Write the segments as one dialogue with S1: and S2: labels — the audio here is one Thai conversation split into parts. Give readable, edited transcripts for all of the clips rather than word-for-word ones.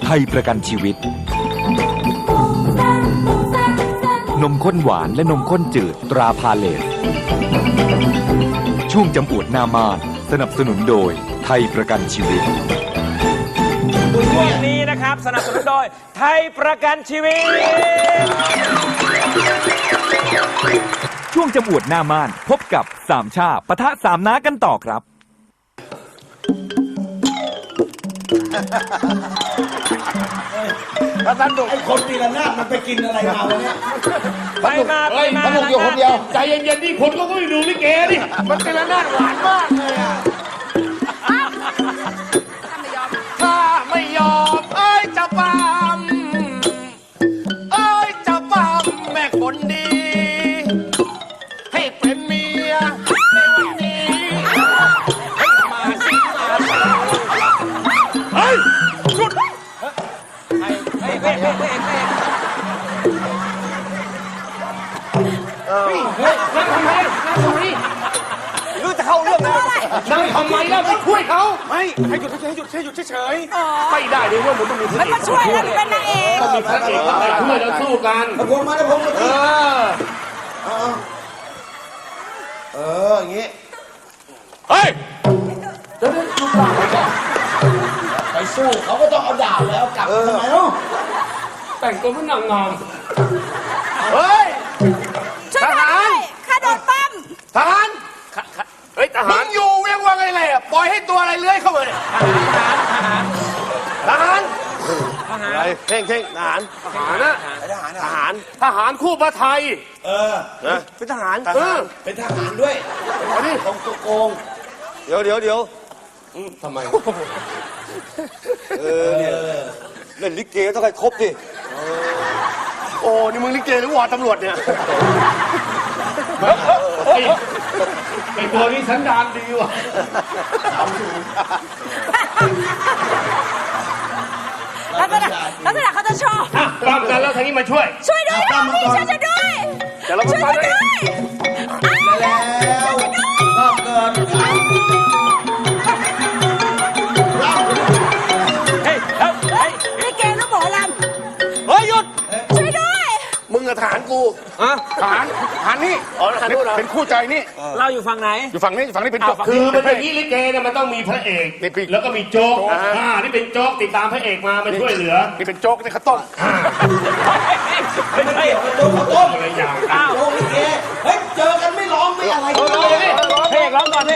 S1: ทยประกันชีวิตนมข้นหวานและนมข้นจืดตราพาเลสช่วงจำอวดหน้ามานสนับสนุนโดยไทยประกันชีวิต
S2: ช่วงนี้นะครับสนับสนุนโดยไทยประกันชีวิต
S1: ช่วงจำอวดหน้าม่านพบกับสามชาปะทะสามน้ากันต่อครับ
S3: ถ้าท่านดูไอ้คนตีละนาดมันไปกินอะไรมาวะเนี่ย
S2: ไปมา
S3: สนุกอยู่คนเดียว
S4: ใจเย็นๆนี่คนก็ไม่ดูลิเกดิ
S3: มันตีละนาดหวานมากเลยอ่ะ
S4: ถ้าไม่ยอมเอ้ยจะปั๊มเอ้ยจะปั๊มแม่คนดีให้เป็นเมียในวันนี้ให้มาสิเฮ้ยชุด
S3: รู้จะเข้าเรื่องแล้ว
S4: นั่งทำไมล่ะไปช่วยเขา
S3: ไม่ให้หยุดเฉย
S4: ไม่ได้เลยว่ามันต้องมีพระเอก
S5: มาช่วยแล้วเป็นนางเอก
S4: ต้องมีพระเอกเข้ามาช่วยแล้วสู้กัน
S3: พวงมาแล้วพวงมาอย่างงี้
S4: เฮ้ย
S3: ไปสู้เขาก็ต้องเอาดาบแล้วกลับทำไมเนาะ
S4: แต่งตัวเป็นนางงาม
S3: เฮ้ย
S5: ช่วยด้วยข้าโดนปั้ม
S3: ทหาร
S4: เฮ้ยทหาร
S3: มึงอยู่เรียกว่าไงเลยปล่อยให้ตัวอะไรเลื้อยเข้ามาเนี่ยทหารอะไรเท่งทหาร
S4: นะทหารคู่พระไทย
S3: เป็นทหารเป็นทหารด้วยอันนี้ของตัวโกงเดี๋ยว
S4: ทำไม
S3: เนี่ยเล่นลิเกต้องให้ครบดิ
S4: โอ้นี่มึงลิเกหรือวอตำรวจเนี่ยไอตัวนี้สันดานดีว่ะ
S5: ลักษณะเขาจะชอบ
S4: ปั้มกันแล้วทางนี้มาช่วย
S5: ด้วยพี่ช่วยด้วย
S4: จะเรา
S5: ช่วยด้วย
S3: แล้วก็เกิด
S5: ลิเกแล้วหมอลำ
S4: เฮ้ยหยุด
S5: ช่วยด้วย
S4: มึงกับทหารกูทหารนี่อ๋อทหารเป็นคู่ใจนี่
S2: เราอยู่ฝั่งไหน
S4: อยู่ฝั่งนี้เป็นโจ๊กคือเป็นอย่างนี้ลิเกเนี่ยมันต้องมีพระเอกแล้วก็มีโจ๊กนี่เป็นโจ๊กติดตามพระเอกมาช่วยเหลือนี่เป็นโจ๊กนี่ข้าวต้ม
S2: ไม่ใช่
S3: โจ๊ก
S4: อะไรอย่าง
S3: โจ๊กลิเกเฮ้ยเจอกันไม่ร้องไม่อะไร
S2: เลยเพลงร้องก่อน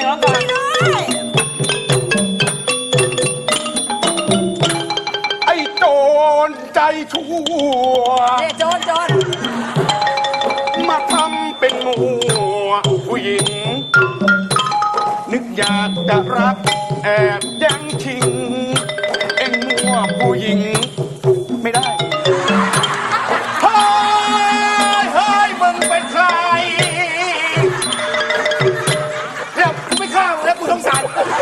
S4: ไอ้โจรใจชั่ว
S5: โจร
S4: มาทำเป็นงัวผู้หญิงนึกอยากจะรักแอบยังชิงเอ็งงัวผู้หญิงไม่ได้เฮ้ยมึงเป็นใครเดี๋ยวกูไม่ฆ่ามึงแล้วกูสงสาร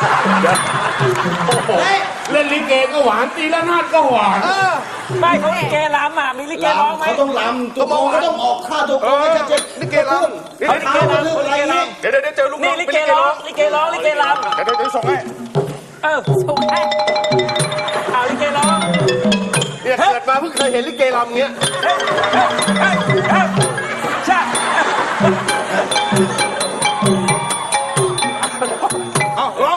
S4: เล่นลิเกก็หวานตีละนาดก็หวาน
S2: ไม่เขาลิเกลำมีลิเกร้องไหม
S3: เขาต้องลำตัวโกงก็ต้องออกค่าตัวโกงให้ชัดเจน
S4: ลิเกลำ
S3: เขาลิเกลำอะไรนี่
S4: เดี๋ยวเจอลูกน้อง
S2: ลิเกร้องลิเกลำ
S4: เดี๋ยวส่งให้
S2: ส่งให้เอาลิเกร้อง
S4: เนี่ยเกิดมาเพิ่งเคยเห็นลิเกลำเงี้ย
S2: ใช่
S4: ร้อง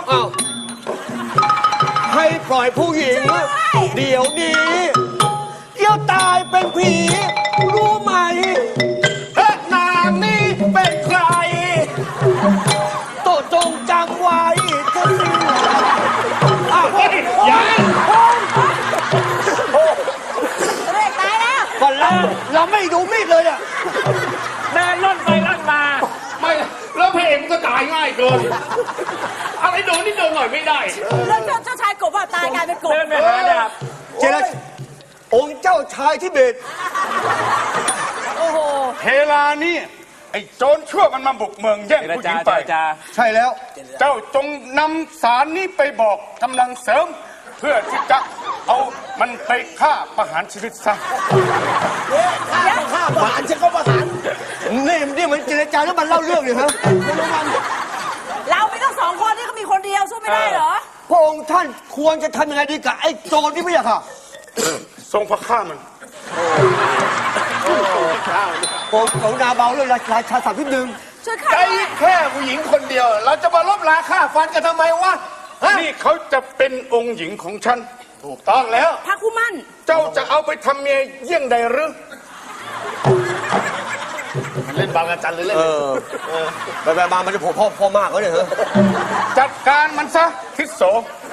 S4: ให้ปล่อยผู้หญิงเดี๋ยวนี้เดี๋ยวตายเป็นผีรู้ไหมนางนี่เป็นใครโตจงจำไว้จะสิ้นยัง
S5: ตายแล้ว
S4: ก่อนเราไม่ดูมีดเลยอ่ะ
S2: เดินล่นไปล่นมา
S4: ไม่แล้วเพลงมันก็ตายง่ายเกินอะไรโดนนี่โดนหน่อยไม่ได้
S5: แล้วเจ้าชายกบว่าตายกลายเป็นกบ
S2: เดินไปหาดาบ
S4: เจรจาองค์เจ้าชายทิเบต
S5: โอ้โห
S4: เฮลานี่ไอ้โจรชั่วมันมาบุกเมืองแย่งผู้หญิงไปใช่แล้วเจ้าจงนำสารนี้ไปบอกกำลังเสริมเพื่อที่จะเอามันไปฆ่าประหารชีวิตซะ
S3: ฆ่าประหารฉันก็ประหาร
S4: นี่มันเจรจาแล้วมันเล่าเรื่องเลยครับ
S5: เราไม่ต้อง2 คนนี่เขามีคนเดียวสู้ไม่ได้เหรอ
S4: พระองค์ท่านควรจะทำยังไงดีกับไอ้โจรนี่ไม่อยากค่ะทรงพระข้ามัน
S3: ผมของนาเบาเลยราชาศัพท์นิดนึง
S5: ช่วยข้า
S3: ใจ
S5: ด้วย
S3: แค่ผู้หญิงคนเดียว เราจะมาลบราค่าฟันกันทำไมวะฮะ
S4: นี่เขาจะเป็นองค์หญิงของฉัน
S3: ถูกต้องแล้ว
S5: พระคู่มั่น
S4: เจ้าจะเอาไปทำเมียเยี่ยงใดหรือ
S3: เล่นบางระจันเลยเล่นไปมามันจะโผล่พ่อมากเลยเหรอ
S4: จัดการมันซะทิศโส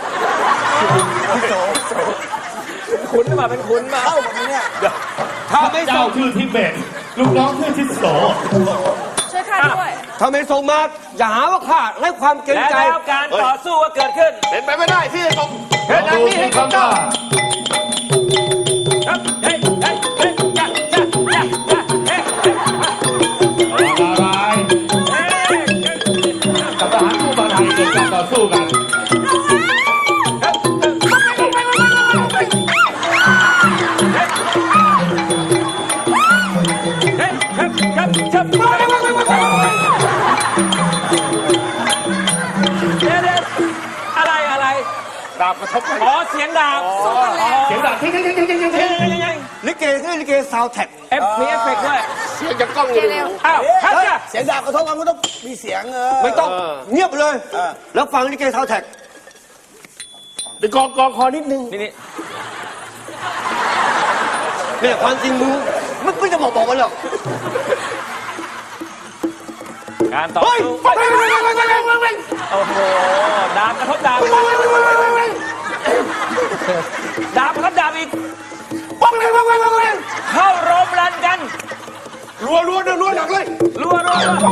S2: คุณหรือเปล่าเป็นคุณมา
S3: เข้าแบบนี้เนี่ยถ้าไม่ส่
S6: เจ้าง ชื่อทิเบตลูกน้องชื่อทิศโส
S5: ช่วยข้าด้วย
S3: ถ้าไม่ส่งมาอย่าหาว่าข้าไร้ความเกรง
S2: และ
S3: ใจ
S2: แล้วการต่อสู้ก็เกิดขึ้น
S3: เป็นไปไม่ได้ที่จะส่งเหตุ
S6: ดู
S3: นี้
S6: สิ
S3: ให้
S6: ครั
S3: เขา
S6: บ
S3: เจ้า
S6: ว่า
S2: ครับเฮ้ยเฮ้ยเฮ้ยจ้าจ้าจ้าจ้าเฮ้ย
S6: อะไรกับทหารคู่บาไทยเกิดการต่อสู้กัน
S2: อะไร
S4: ดาบกระทบไป
S2: อ๋อเสียงดาบ
S6: เสียงดังทิ้ง
S3: ลิเกคือลิเกซาวแท็ก
S2: มีเอฟเฟกต์ด้วย
S3: เสียงจะกล้องอยู่
S2: อ้าวครับจ้ะ
S3: เสียงดาบกระทบกันมันต้องมีเสียงไม่ต้องเงียบเลย แล้วฟังลิเกซาวแท็กไปกองคอนิดนึง
S2: นี่
S3: เนี่ยความจริงมึงไม่จะบอกมันหรอก
S2: การต่อสู้ โอ้โห ดาบกระทบดาบ ดาบกระทบดาบอีก เข้ารมรันกัน
S3: รัวหนักเลย
S2: รัว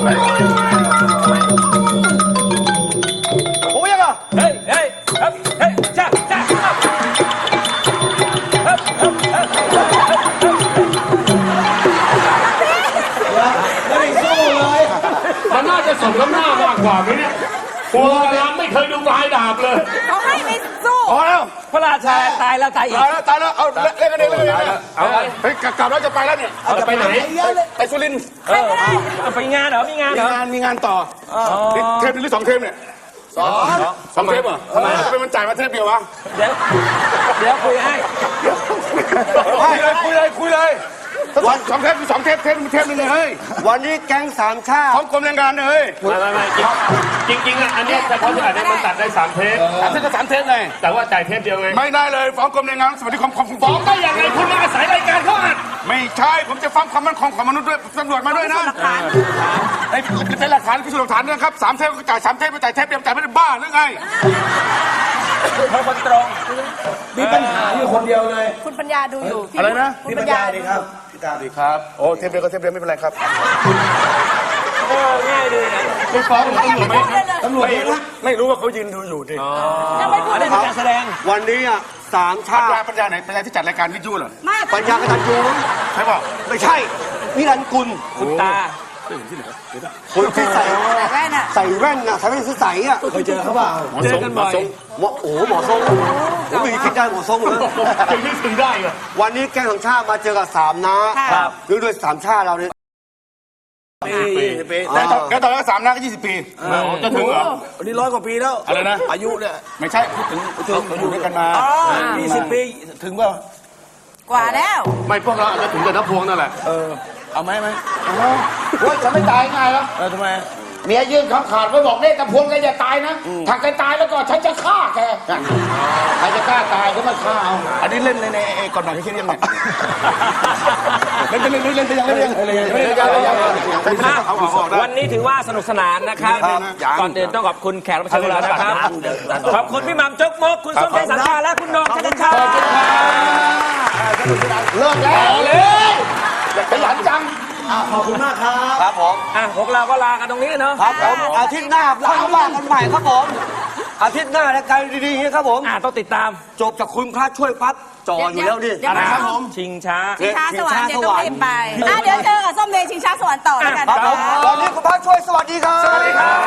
S3: โอ้ยยังอ่ะ
S2: เฮ้ยครับเฮ้ยจ้า
S6: มันน่าจะสมน้ำหน้ามากกว่าไหมเนี่ยโบราณไม่เคยดูปลายดาบเลย
S5: เขาให้ไม่สู้
S3: พอแล้ว
S2: พระราชาตายแล้วตายอีก
S3: ตายแล้วเอาเล่นกันเองเลย
S4: เอาเฮ้ยกลับแล้วจะไปแล้วเนี่ย
S6: จะไปไหน
S4: ไปสุรินทร์
S2: ไปงานเหรอ มีงานเหรอ
S4: มีงานต่อเทปหรือ2 เทปเนี่ย2 เทปเหรอทำไมเป็นมันจ่ายมาเทปเดียววะ
S2: เดี๋ยวคุยให้
S4: คุยเลยวัน2 เทป2 เทปเทปนึงเลยเฮ้ย
S3: วันนี้แก๊งสามชาติ
S4: ของกรมแรงงานเลย
S6: ไม่จริงๆอ่ะอันนี้เฉพาะที่อันนี้มันตัดได้3 เทป
S4: 3 เทปเลย
S6: แต่ว่าจ่ายเทปเดียวไง
S4: ไม่ได้เลยฟ้องกรมแรงงานสวัสดิภาพของ
S6: ฟ้องได้ยังไงคุณมาอาศัยรายการเขาอัด
S4: ไม่ใช่ผมจะฟ้องความมั่นคงของมนุษย์ด้วยตำรวจมาด้วยนะเป็นหลักฐานพิสูจน์หลักฐานนะครับ3 เทปก็จ่าย3 เทปไม่จ่ายเทปเดียวจ่ายไม่ได้บ้าหรือไง
S2: เขาคนตรง
S3: มีปัญหาอยู่คนเดียวเลย
S5: คุณปัญญาดูอยู่พี่
S4: อะไรนะ
S5: คุณปัญญา
S3: ดีครับพี่ตาดีครับ
S4: โอ้เทปเดียวก็เทปเดียวไม่เป็นไรครับ
S2: ง่ายดีนะ
S6: ไม่ฟ้อง
S5: เขายังไม่พูดเลยเลย
S3: ตำรวจเยอะนะ
S4: ไม่รู้ว่าเขายืนดูอยู่ดิ
S5: ยังไม่พูด
S2: อัน
S5: เล
S2: นี้
S5: ย
S2: เป็นการแสดง
S3: วันนี้อ่ะสามชาติ
S4: ปัญญาไหนปัญญาที่จัดรายการวิทยุเหรอ
S5: ไม่
S3: ปัญญากตันยูมั้ง
S4: ใช่ป่ะ
S3: ไม่ใช่นิรันดร์กุล
S2: คุณตา
S3: คนที่ใส่
S5: แต่แรกน่ะ
S3: ใส่แว่นน่ะใส่แว่นใสๆอ่ะเคยเจอเขาเปล่า
S2: เจอกันบ่อย
S3: หมอทรงผมไม่คิดได้หมอทรงเลย
S6: ยังนึกถึงได้เหรอ
S3: วันนี้แก๊งของชาติมาเจอกับ3 น้า
S5: ครับ
S3: หรือด้วย3 ชาติเราเนี่ย
S4: แล้วตอนนั้น3 น้าก็20 ปีจะถึงเหรอ
S3: วันนี้100 กว่าปีแล้ว
S4: อะไรนะ
S3: อายุเนี่ย
S4: ไม่ใช่พูดถึงเราอยู่ด้วยกันมา
S3: 20 ปีถึงเปล่าก
S5: ว่าแล้ว
S4: ไม่พวกเราอาจจะถึงแต่น้ำพวงนั่นแหละ
S3: เอาไหม
S7: โอ้ยจะไม่ตายง่ายหรอก
S3: ทำไม
S7: เมียยื่นคำขาดไว้บอกเนี่ยตะพวงแกอย่าตายนะ ถ้าแกตายแล้วก็ฉันจะฆ่าแกใครจะกล้าตายก็มาฆ่าเอา
S4: อันนี้เล่นในก่อนหน่อยที่คิดยังไงเล่นไปยังไม่ได้เขาออกได้
S2: วันนี้ถือว่าสนุกสนานนะครับ ก่อนอื่นต้องขอบคุณแขกรับเชิญของเรานะครับ ขอบคุณพี่หม่ำจกมก คุณส้มเช้งสังชาและคุณโหน่งชัชชา
S7: เลิกแล้วเลยขยันจัง
S3: ขอบคุณมากครับผม
S2: อ่ะพวกเราก็ลากันตรงนี้เนาะ
S3: ครับผมอาทิตย์หน้าเราว่ากันใหม่ครับผม อาทิตย์หน้ารายการดีๆครับผม
S2: ต้องติดตาม
S3: จบจากคุณพระช่วยปั๊บจออยู่แล้วดิ
S5: เดี๋ยวนะครับผม
S2: ชิงช้า
S5: ชิงช้าสวรรค์เดี๋ยวต้องรีบไปเดี๋ยวเจอกับส้มเดชชิงช้าสวรรค์ต่อแล้วกัน
S3: ครับผม
S5: ครับ
S3: ตอนนี้คุณพระช่วยสวัสดีครับ
S2: สวัสดีครับ